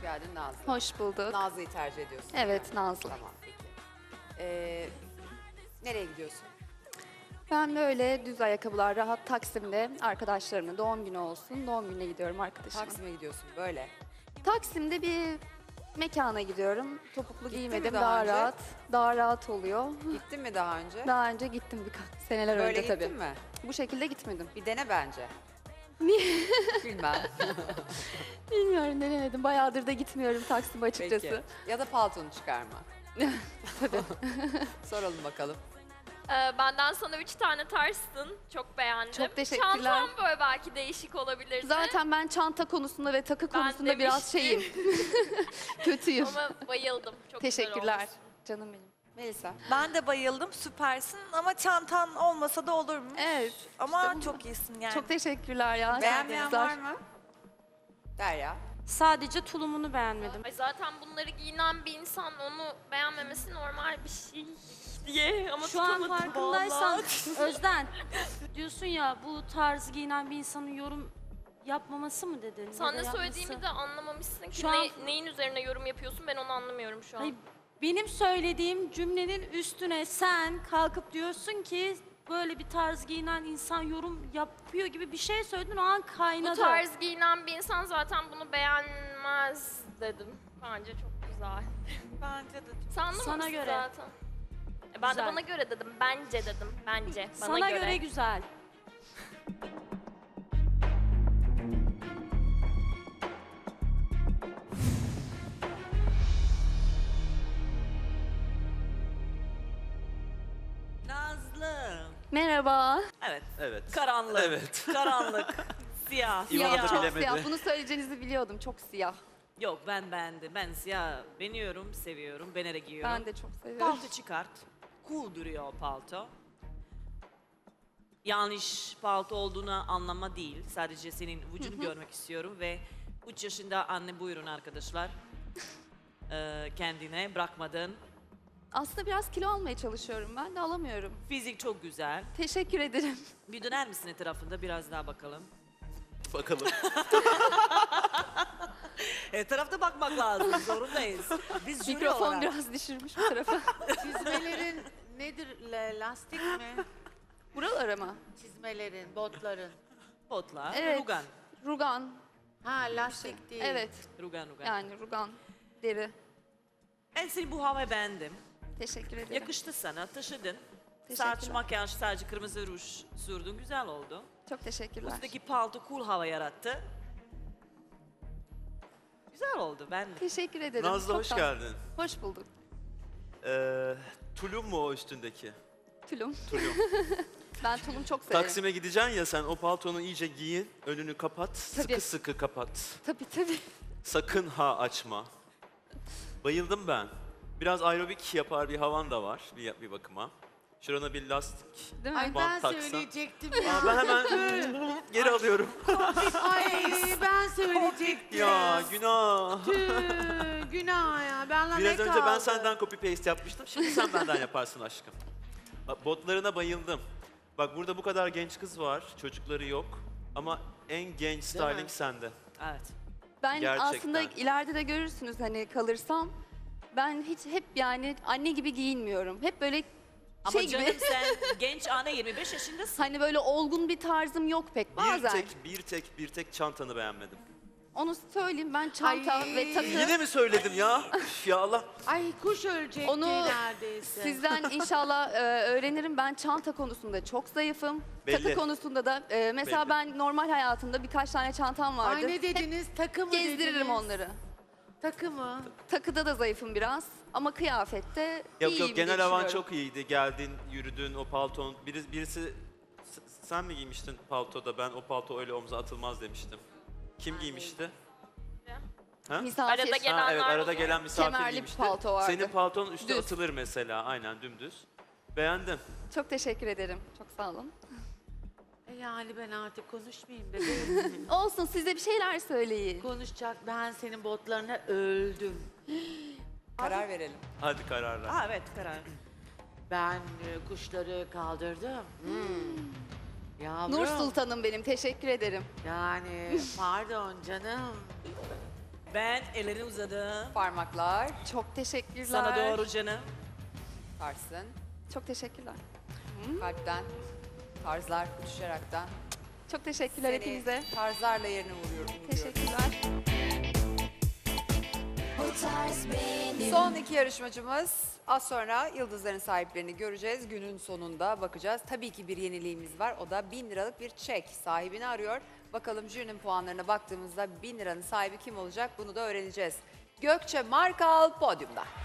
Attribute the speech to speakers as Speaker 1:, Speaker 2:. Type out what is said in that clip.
Speaker 1: geldin Nazlı.
Speaker 2: Hoş bulduk.
Speaker 1: Nazlı'yı tercih ediyorsun.
Speaker 2: Evet, Nazlı.
Speaker 1: Tamam peki. Nereye gidiyorsun?
Speaker 2: Ben böyle düz ayakkabılar, rahat Taksim'de arkadaşlarımla doğum günü olsun. Doğum gününe gidiyorum arkadaşımın.
Speaker 1: Taksim'e gidiyorsun böyle.
Speaker 2: Taksim'de bir mekana gidiyorum. Topuklu
Speaker 1: Gittin mi
Speaker 2: giymedim,
Speaker 1: daha
Speaker 2: daha
Speaker 1: önce?
Speaker 2: rahat. Daha rahat oluyor.
Speaker 1: Gittin mi daha önce?
Speaker 2: Daha önce gittim birkaç seneler
Speaker 1: Böyle
Speaker 2: önce
Speaker 1: gittin
Speaker 2: tabii.
Speaker 1: mi?
Speaker 2: Bu şekilde gitmedim.
Speaker 1: Bir dene bence.
Speaker 2: Niye?
Speaker 1: Bilmem.
Speaker 2: Bilmiyorum, denemedim. Bayağıdır da gitmiyorum Taksim'e açıkçası.
Speaker 1: Peki. Ya da paltonu çıkarma.
Speaker 2: Tabii.
Speaker 1: Soralım bakalım.
Speaker 3: Benden sana 3 tane tarsın. Çok beğendim.
Speaker 2: Çok teşekkürler.
Speaker 3: Çantam böyle belki değişik olabilirdi.
Speaker 2: Zaten ben çanta konusunda ve takı
Speaker 3: Ben
Speaker 2: konusunda biraz şeyim. Kötüyüm.
Speaker 3: Ama bayıldım. Çok
Speaker 2: Teşekkürler.
Speaker 3: güzel olmuş.
Speaker 2: Canım benim.
Speaker 1: Melisa.
Speaker 4: Ben de bayıldım, süpersin ama çantan olmasa da olurmuş.
Speaker 2: Evet.
Speaker 4: Ama çok iyisin yani.
Speaker 2: Çok teşekkürler ya.
Speaker 1: Beğenmeyen
Speaker 2: Güzel.
Speaker 1: var mı? Derya.
Speaker 5: Sadece tulumunu beğenmedim.
Speaker 3: Ay zaten bunları giyinen bir insan onu beğenmemesi normal bir şey diye ama
Speaker 5: Şu an
Speaker 3: tutamadım
Speaker 5: farkındaysan
Speaker 3: vallahi.
Speaker 5: Özden diyorsun ya bu tarz giyinen bir insanın yorum yapmaması mı dedin?
Speaker 3: Sen
Speaker 5: Ya
Speaker 3: ne
Speaker 5: da yapması.
Speaker 3: söylediğimi de anlamamışsın ki.
Speaker 5: Şu an-
Speaker 3: Neyin üzerine yorum yapıyorsun ben onu anlamıyorum şu an.
Speaker 5: Hayır, benim söylediğim cümlenin üstüne sen kalkıp diyorsun ki böyle bir tarz giyinen insan yorum yapıyor gibi bir şey söyledin, o an
Speaker 3: Bu
Speaker 5: kaynadı.
Speaker 3: tarz giyinen bir insan zaten bunu beğenmez dedim. Bence çok güzel.
Speaker 4: Bence de çok.
Speaker 3: Sen anlamamışsın
Speaker 5: Sana göre.
Speaker 3: zaten. Ben
Speaker 5: Güzel.
Speaker 3: de bana göre dedim. Bence dedim. Bence. Bana
Speaker 5: Sana göre güzel.
Speaker 6: Nazlı.
Speaker 2: Merhaba.
Speaker 6: Evet.
Speaker 7: Evet.
Speaker 6: Karanlık.
Speaker 7: Evet.
Speaker 6: Karanlık. Siyah.
Speaker 7: İvan da
Speaker 2: Siyah,
Speaker 6: Siyah.
Speaker 2: çok
Speaker 7: bilemedi.
Speaker 2: siyah. Bunu söyleyeceğinizi biliyordum. Çok siyah.
Speaker 6: Yok ben beğendim. Ben siyah beğeniyorum, seviyorum. Ben de giyiyorum.
Speaker 2: Ben de çok seviyorum.
Speaker 6: Palto çıkart. Cool duruyor o palto. Yanlış palto olduğunu anlama değil. Sadece senin vücudunu görmek istiyorum ve 3 yaşında anne buyurun arkadaşlar. Kendine bırakmadın.
Speaker 2: Aslında biraz kilo almaya çalışıyorum. Ben de alamıyorum.
Speaker 6: Fizik çok güzel.
Speaker 2: Teşekkür ederim.
Speaker 6: Bir döner misin etrafında biraz daha bakalım.
Speaker 7: Bakalım.
Speaker 6: Etrafta bakmak lazım. Zorundayız. Biz jüri
Speaker 2: Mikrofon
Speaker 6: olarak.
Speaker 2: biraz düşürmüş bu tarafa.
Speaker 8: Çizmelerin nedir? Lastik mi?
Speaker 2: Buralara mı?
Speaker 8: Çizmelerin, botların.
Speaker 6: Potla,
Speaker 2: Evet.
Speaker 6: rugan.
Speaker 2: Rugan.
Speaker 8: Ha lastik değil.
Speaker 2: Evet.
Speaker 6: Rugan.
Speaker 2: Yani rugan. Deri.
Speaker 6: Ben seni bu havaya beğendim.
Speaker 2: Teşekkür ederim.
Speaker 6: Yakıştı sana, taşıdın.
Speaker 2: Teşekkürler.
Speaker 6: Saç, makyaj, sadece kırmızı ruj sürdün, güzel oldu.
Speaker 2: Çok teşekkürler.
Speaker 6: Üstteki palto cool hava yarattı. Güzel oldu, ben de.
Speaker 2: Teşekkür ederim.
Speaker 7: Nazlı
Speaker 2: Çok
Speaker 7: hoş
Speaker 2: tatlı.
Speaker 7: geldin.
Speaker 2: Hoş bulduk.
Speaker 7: Tulum mu o üstündeki?
Speaker 2: Tulum.
Speaker 7: Tulum.
Speaker 2: Ben tulum çok severim.
Speaker 7: Taksim'e gideceksin ya sen o paltonu iyice giyin, önünü kapat,
Speaker 2: Tabii.
Speaker 7: sıkı sıkı kapat.
Speaker 2: Tabii.
Speaker 7: Sakın ha açma. Bayıldım ben. Biraz aerobik yapar bir havan da var bir bakıma. Şurana bir lastik
Speaker 2: Değil mi?
Speaker 8: Ay
Speaker 7: bant
Speaker 8: ben
Speaker 7: taksan.
Speaker 8: söyleyecektim ya.
Speaker 7: Aa, ben hemen geri alıyorum.
Speaker 8: Ay ben söyleyecektim.
Speaker 7: Ya günah.
Speaker 8: Tüh, günah ya. Benle
Speaker 7: Biraz
Speaker 8: ne
Speaker 7: önce ben
Speaker 8: kaldı?
Speaker 7: senden copy paste yapmıştım. Şimdi sen benden yaparsın aşkım. Bak, botlarına bayıldım. Bak burada bu kadar genç kız var, çocukları yok. Ama en genç styling sende.
Speaker 6: Evet.
Speaker 2: Ben
Speaker 7: Gerçekten.
Speaker 2: aslında ileride de görürsünüz hani kalırsam. Ben hiç hep yani anne gibi giyinmiyorum. Hep böyle
Speaker 6: Ama
Speaker 2: şey
Speaker 6: canım
Speaker 2: gibi.
Speaker 6: sen genç anne 25 yaşındasın.
Speaker 2: Hani böyle olgun bir tarzım yok pek bazen.
Speaker 7: Bir tek çantanı beğenmedim.
Speaker 2: Onu söyleyeyim, ben çanta
Speaker 8: Ay.
Speaker 2: ve takı.
Speaker 7: Yine mi söyledim ya? Üf ya Allah.
Speaker 8: Ay kuş ölecekti
Speaker 2: Onu
Speaker 8: neredeyse.
Speaker 2: Sizden inşallah öğrenirim. Ben çanta konusunda çok zayıfım.
Speaker 7: Belli.
Speaker 2: Takı konusunda da mesela
Speaker 7: Belli.
Speaker 2: ben normal hayatımda birkaç tane çantam vardı.
Speaker 8: Ay ne dediniz? Takı mı
Speaker 2: Gezdiririm
Speaker 8: dediniz?
Speaker 2: onları.
Speaker 8: Takı mı?
Speaker 2: Takıda da zayıfım biraz ama kıyafette
Speaker 7: Yok
Speaker 2: iyiyim
Speaker 7: yok genel
Speaker 2: diye
Speaker 7: havan
Speaker 2: düşünüyorum.
Speaker 7: çok iyiydi. Geldin, yürüdün, o palton. Birisi sen mi giymiştin paltoda? Ben o palto öyle omuza atılmaz demiştim. Kim giymişti? Ha?
Speaker 2: Misafir.
Speaker 3: Arada gelen-
Speaker 7: Ha, evet
Speaker 3: Gelenler
Speaker 7: arada
Speaker 3: oluyor.
Speaker 7: gelen misafir
Speaker 2: Kemerli bir
Speaker 7: giymişti.
Speaker 2: palto vardı.
Speaker 7: Senin paltonun üstü
Speaker 2: Düz.
Speaker 7: atılır mesela. Aynen dümdüz. Beğendim.
Speaker 2: Çok teşekkür ederim. Çok sağ olun.
Speaker 8: Yani ben artık konuşmayayım bebeğim.
Speaker 2: Olsun, siz de bir şeyler söyleyin.
Speaker 8: Konuşacak ben senin botlarına öldüm.
Speaker 1: Karar verelim.
Speaker 7: Hadi kararla.
Speaker 6: Aa, evet karar.
Speaker 8: Ben kuşları kaldırdım. Yavrum.
Speaker 2: Nur Sultanım benim, teşekkür ederim.
Speaker 8: Yani pardon canım.
Speaker 6: Ben ellerini uzadım.
Speaker 1: Parmaklar
Speaker 2: Çok teşekkürler.
Speaker 6: Sana doğru canım.
Speaker 1: tarsın.
Speaker 2: Çok teşekkürler.
Speaker 1: Kalpten, tarzlar uçuşaraktan.
Speaker 2: Çok teşekkürler
Speaker 1: Seni
Speaker 2: hepinize.
Speaker 1: tarzlarla yerine vuruyorum.
Speaker 2: Teşekkürler.
Speaker 1: Son iki yarışmacımız. Az sonra yıldızların sahiplerini göreceğiz. Günün sonunda bakacağız. Tabii ki bir yeniliğimiz var. O da 1000 liralık bir çek. Sahibini arıyor. Bakalım jürinin puanlarına baktığımızda 1000 liranın sahibi kim olacak? Bunu da öğreneceğiz. Gökçe Markal podyumda.